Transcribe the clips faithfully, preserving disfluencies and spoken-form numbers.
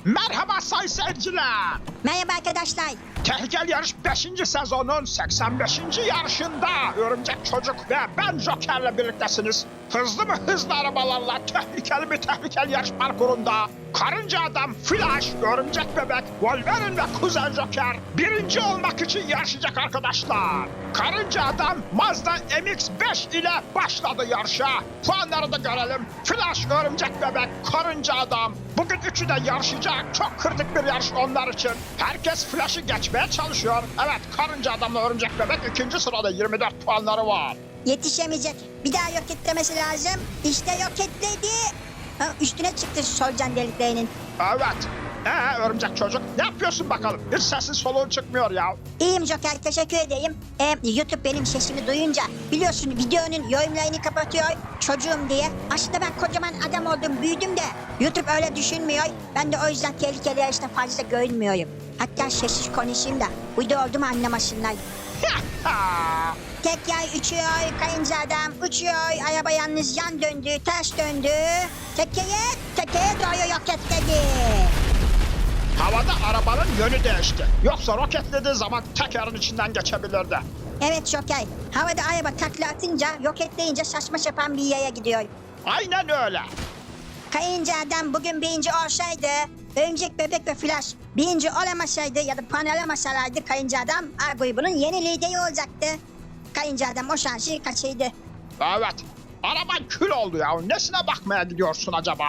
Merhaba sayın seyirciler. Merhaba arkadaşlar. Tehlikeli Yarış beşinci sezonun seksen beşinci yarışında Örümcek Çocuk ve ben Joker'le birliktesiniz. Hızlı mı hızlı arabalarla tehlikeli mi tehlikeli yarış parkurunda Karınca Adam, Flash, Örümcek Bebek, Wolverine ve Kuzen Joker birinci olmak için yarışacak arkadaşlar. Karınca Adam Mazda M X beş ile başladı yarışa. Puanları da görelim. Flash, Örümcek Bebek, Karınca Adam. Bugün üçü de yarışacak. Çok kritik bir yarış onlar için. Herkes Flash'ı geçmeye çalışıyor. Evet, Karınca Adam'la Örümcek Bebek ikinci sırada yirmi dört puanları var. Yetişemeyecek. Bir daha yok etmesi lazım. İşte yok etledi. Ha, üstüne çıktı solucan deliklerinin. Evet. Ee Örümcek Çocuk ne yapıyorsun bakalım? Hiç sesin soluğun çıkmıyor ya. İyiyim Joker, teşekkür edeyim. Ee, YouTube benim sesimi duyunca biliyorsun videonun yorumlarını kapatıyor çocuğum diye. Aslında ben kocaman adam oldum, büyüdüm de YouTube öyle düşünmüyor. Ben de o yüzden tehlikeli yarışta fazla görünmüyorum. Hatta sessiz konuşayım da uydu oldu mu anlamasınlar. Tek yay uçuyor, kayınca adam uçuyor, araba yalnız yan döndü, ters döndü. Tekeye, tekeye doğru yok etledi. Havada arabanın yönü değişti. Yoksa roketlediği zaman tekerin içinden geçebilirdi. Evet Joker, havada araba takla atınca, roketleyince saçma sapan bir yere gidiyor. Aynen öyle. Kayınca adam bugün birinci olsaydı, Örümcek Bebek ve Flash birinci olamasaydı ya da puan alamasalardı Kayınca adam A grubunun yeni lideri olacaktı. Kayınca adam o şansı kaçırdı. Evet. Araban kül oldu ya. Nesine bakmaya gidiyorsun acaba?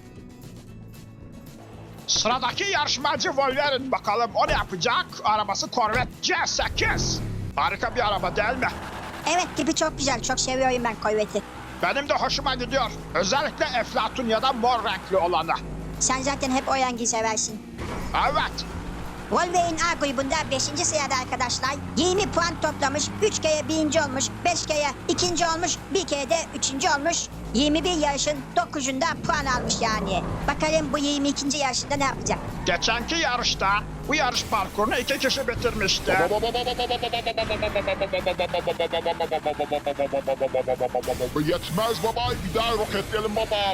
Sıradaki yarışmacı Wolverine bakalım o ne yapacak? Arabası Corvette C sekiz. Harika bir araba değil mi? Evet, tipi çok güzel, çok seviyorum ben Corvette'i. Benim de hoşuma gidiyor. Özellikle Eflatun ya da mor renkli olanı. Sen zaten hep o rengi seversin. Evet. Wolverine A grubunda beşinci sırada arkadaşlar. yirmi puan toplamış, üç kere birinci olmuş, beş kere ikinci olmuş, bir kere de üçüncü olmuş. yirmi bir yarışın dokuzunda puan almış yani. Bakalım bu yirmi ikinci yarışında ne yapacak? Geçenki yarışta bu yarış parkurunu iki kişi bitirmişti. Yetmez baba, bir daha roketleyelim baba.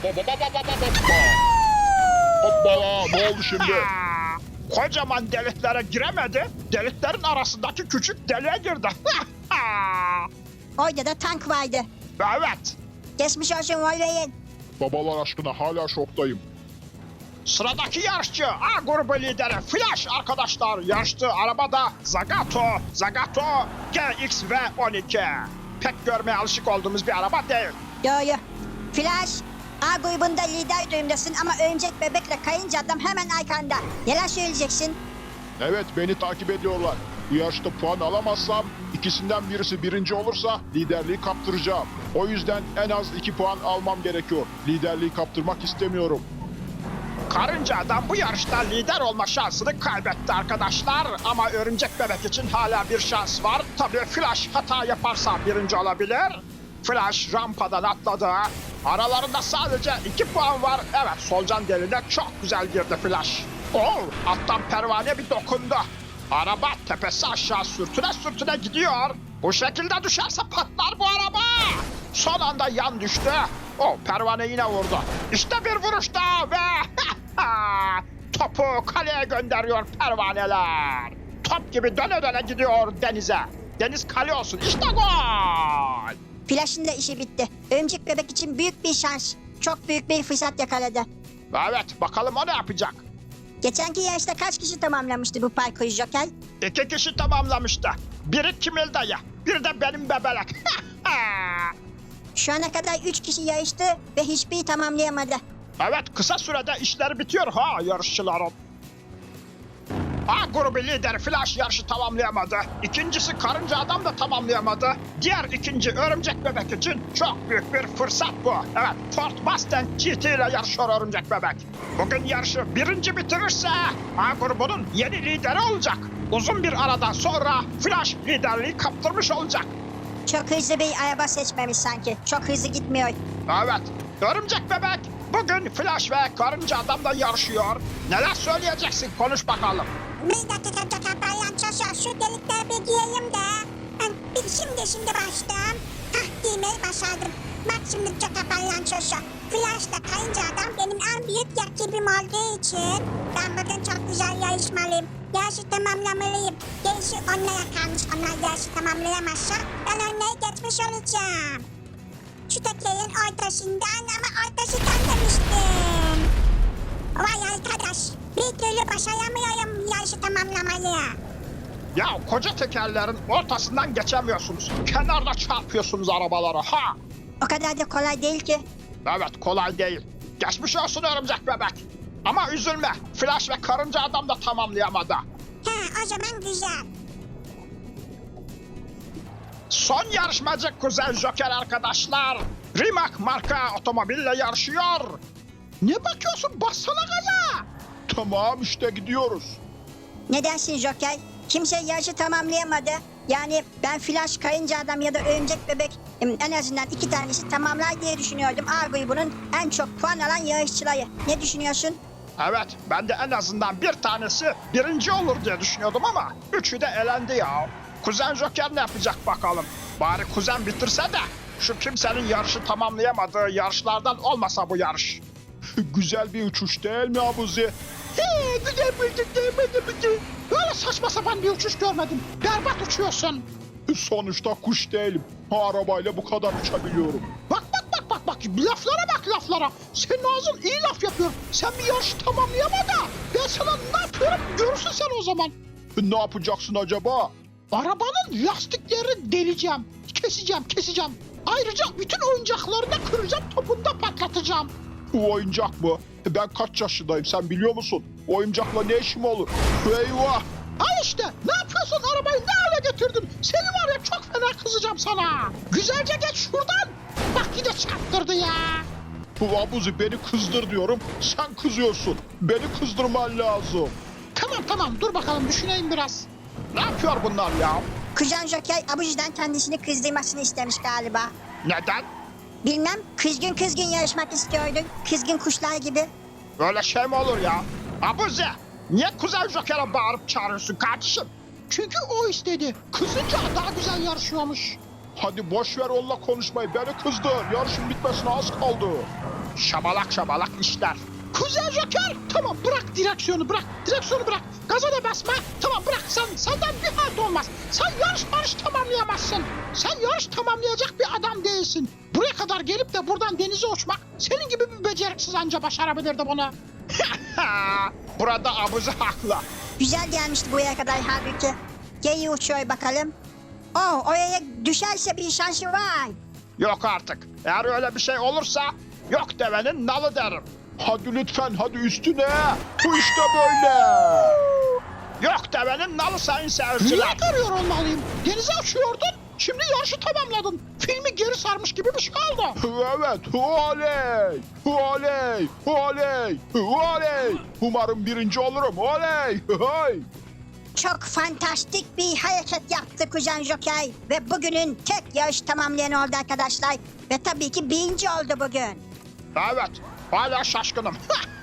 Hoppala, ne oldu şimdi? Aa, kocaman deliklere giremedi. Deliklerin arasındaki küçük deliğe girdi. Orada da tank vardı. Evet. Geçmiş olsun Wolverine. Babalar aşkına hala şoktayım. Sıradaki yarışçı A grubu lideri Flash arkadaşlar yarıştığı arabada Zagato, Zagato G X V on iki. Pek görmeye alışık olduğumuz bir araba değil. Doğru. Flash, A grubunda lider durumdasın ama Örümcek Bebek'le Kayınca adam hemen arkanda. Neler söyleyeceksin? Evet, beni takip ediyorlar. Bu yarışta puan alamazsam, ikisinden birisi birinci olursa liderliği kaptıracağım. O yüzden en az iki puan almam gerekiyor. Liderliği kaptırmak istemiyorum. Karınca Adam bu yarışta lider olma şansını kaybetti arkadaşlar. Ama Örümcek Bebek için hala bir şans var. Tabii Flash hata yaparsa birinci olabilir. Flash rampadan atladı. Aralarında sadece iki puan var. Evet, solucan deliğine çok güzel girdi Flash. Oh, alttan pervane bir dokundu. Araba tepesi aşağı sürtüne sürtüne gidiyor. Bu şekilde düşerse patlar bu araba. Son anda yan düştü. O pervane yine vurdu. İşte bir vuruş daha ve topu kaleye gönderiyor pervaneler. Top gibi döne döne gidiyor denize. Deniz kale olsun. İşte gol. Flash'ın da işi bitti. Örümcek Bebek için büyük bir şans. Çok büyük bir fırsat yakaladı. Evet, bakalım o ne yapacak. Geçenki yarışta kaç kişi tamamlamıştı bu parkuru Joker? İki kişi tamamlamıştı. Biri Kimil dayı, bir de benim bebelek. Şu ana kadar üç kişi yarıştı ve hiçbiri tamamlayamadı. Evet, kısa sürede işler bitiyor ha yarışçıların. A grubu lideri Flash yarışı tamamlayamadı. İkincisi Karınca Adam da tamamlayamadı. Diğer ikinci Örümcek Bebek için çok büyük bir fırsat bu. Evet, Ford Mustang G T ile yarışıyor Örümcek Bebek. Bugün yarışı birinci bitirirse A grubunun yeni lideri olacak. Uzun bir aradan sonra Flash liderliği kaptırmış olacak. Çok hızlı bir araba seçmemiş sanki. Çok hızlı gitmiyor. Evet, Örümcek Bebek bugün Flash ve Karınca Adam'la yarışıyor. Neler söyleyeceksin? Konuş bakalım. Bir dakika dakika palyaçosu şu delikleri bir giyeyim de. Ben bir şimdi şimdi başladım. Hah giymeyi başardım. Bak şimdi dakika palyaçosu. Flash'la kayınca adam benim en büyük rakibim olduğu için ben bugün çok güzel yarışmalıyım. Yarışı tamamlamalıyım. Gerisi onlara kalmış. Onlar yarışı tamamlayamazsa ben onları geçmiş olacağım. Şu tekerin ortasından ama ortasından demiştim. Vay arkadaş. Bir türlü başaramıyorum yarışı tamamlamayı. Ya koca tekerlerin ortasından geçemiyorsunuz. Kenarda çarpıyorsunuz arabaları ha. O kadar da kolay değil ki. Evet kolay değil. Geçmiş olsun örümcek bebek. Ama üzülme. Flash ve karınca adam da tamamlayamadı. He o zaman güzel. Son yarışmacı Kuzen Joker arkadaşlar. Rimac marka otomobille yarışıyor. Ne bakıyorsun? Bassana gaza. Tamam işte gidiyoruz. Ne dersin Joker? Kimse yarışı tamamlayamadı. Yani ben Flash, Kayınca Adam ya da Örümcek Bebek em, en azından iki tanesi tamamlar diye düşünüyordum. A grubunun en çok puan alan yarışçıları. Ne düşünüyorsun? Evet ben de en azından bir tanesi birinci olur diye düşünüyordum ama üçü de elendi ya. Kuzen Joker ne yapacak bakalım. Bari kuzen bitirse de şu kimsenin yarışı tamamlayamadığı yarışlardan olmasa bu yarış. Güzel bir uçuş değil mi Abuzi? He, güzel bulduk değil mi? Böyle saçma sapan bir uçuş görmedim. Berbat uçuyorsun. Sonuçta kuş değilim. Arabayla bu kadar uçabiliyorum. Bak bak bak bak bak laflara bak laflara. Senin ağzın iyi laf yapıyor. Sen bir yarışı tamamlayama da ben sana ne yapıyorum görürsün sen o zaman. Ne yapacaksın acaba? Arabanın lastiklerini deleceğim. Keseceğim keseceğim. Ayrıca bütün oyuncaklarını kıracağım topunu da patlatacağım. Bu oyuncak mı? Ben kaç yaşındayım sen biliyor musun? Oyuncakla ne işim olur? Eyvah! Al işte ne yapıyorsun arabayı ne hale getirdin? Seni var ya çok fena kızacağım sana. Güzelce geç şuradan. Bak yine çarptırdı ya. Bu Abuzi beni kızdır diyorum. Sen kızıyorsun. Beni kızdırman lazım. Tamam tamam dur bakalım düşüneyim biraz. Ne yapıyor bunlar ya? Kuzen Joker Abuji'den kendisini kızdırmasını istemiş galiba. Neden? Bilmem, kızgın kızgın yarışmak istiyordun. Kızgın kuşlar gibi. Böyle şey mi olur ya? Abuzi niye Kuzen Joker'e bağırıp çağırıyorsun kardeşim? Çünkü o istedi. Kızınca daha güzel yarışıyormuş. Hadi boş ver onunla konuşmayı. Beni kızdır. Yarışın bitmesine az kaldı. Şabalak şabalak işler. Kuzen Joker tamam bırak direksiyonu bırak. Direksiyonu bırak. Gaza da basma. Tamam bırak sen senden bir halt olmaz. Sen yarış marış tamamlayamazsın. Sen yarış tamamlayacak bir adam değilsin. Buraya kadar gelip de buradan denize uçmak senin gibi bir beceriksiz anca başarabilirdi bunu. Burada Abuzi haklı. Güzel gelmişti buraya kadar halbuki. Geri uçuyor bakalım. Oh, oraya düşerse bir şansı var. Yok artık. Eğer öyle bir şey olursa yok devenin nalı derim. Hadi lütfen hadi üstüne. Bu işte böyle. Yok devenin nalı sayın seyirciler. Niye görüyor olmalıyım? Denize uçuyordun. Şimdi yarışı tamamladın. Filmi geri sarmış gibi bir şey oldu. Evet. Oley. Oley. Oley. Oley. Umarım birinci olurum. Oley. Hey. Çok fantastik bir hareket yaptı Kuzen Joker. Ve bugünün tek yarış tamamlayan oldu arkadaşlar. Ve tabii ki birinci oldu bugün. Evet. Hala şaşkınım.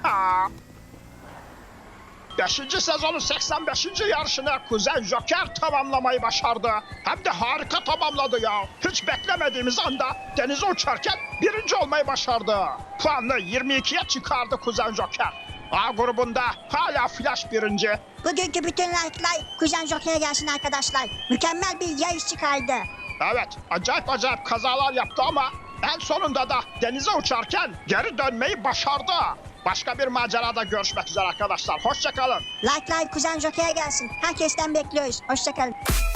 Beşinci sezonun seksen beşinci yarışını Kuzen Joker tamamlamayı başardı. Hem de harika tamamladı ya. Hiç beklemediğimiz anda denize uçarken birinci olmayı başardı. Puanını yirmi ikiye çıkardı Kuzen Joker. A grubunda hala Flash birinci. Bugünkü bütün like'lar Kuzen Joker'e gelsin arkadaşlar. Mükemmel bir yarış çıkardı. Evet, acayip acayip kazalar yaptı ama en sonunda da denize uçarken geri dönmeyi başardı. Başka bir macerada görüşmek üzere arkadaşlar. Hoşça kalın. Like'lar Kuzen Joker'e gelsin. Herkesten bekliyoruz. Hoşçakalın.